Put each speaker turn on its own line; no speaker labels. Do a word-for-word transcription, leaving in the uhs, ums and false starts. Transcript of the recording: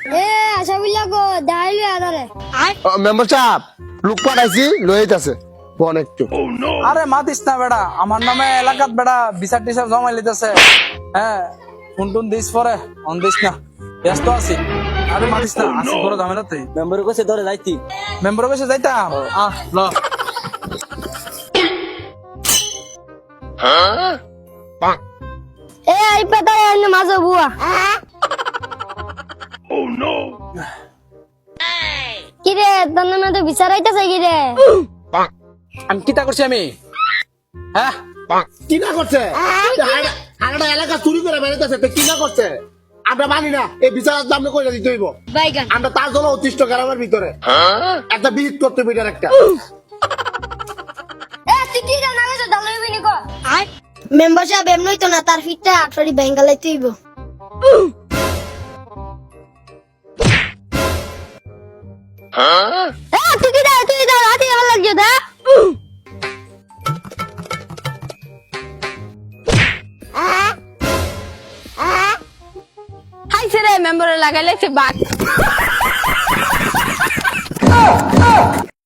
এ আশাবিল্লা গো দাঁড়িয়ে আদারে
মেম্বার সাহেব লোক পাঠাইছি লইতাছে ফোন একটু।
আরে মাতিস না বেড়া, আমার নামে এলাকাত বেড়া বিচার টিচার জমা লিতেছে। হ্যাঁ ফোন টুন দিস পরে অন দিস না, ব্যস্ত আছি। আরে মাতিস না, আসি বড় ঝামেলাতে।
মেম্বারের কাছে ধরে যাইতি
মেম্বার কাছে যাইতাম। আহ ল
এ আই পাতা এনে মাঝে বুয়া কি রে তোর নামে তো বিচারাইতেছে কি রে
আমি কিতা করছি আমি? হ্যাঁ
কি না করছে আরেকটা এলাকা চুরি করে বেড়াইতেছে কি না করছে? আমরা মানি না, এই বিচারের দাম কইরা দিতে হইব।
বাইগান
আমরা তার জন্য অতিষ্ঠ গ্রামের ভিতরে একটা বিহিত করতে বিটার একটা
এ তুই কি জানা গেছ দালই বিনি কো আই মেম্বার সাহেব এমনই তো না, তার ফিটটা আটফারি বেঙ্গালাই তুইব এ তুই কি দা তুই দা রাতে ভালো লাগছে দা
হাই ছেড়ে মেম্বারে লাগাইলে বাঘ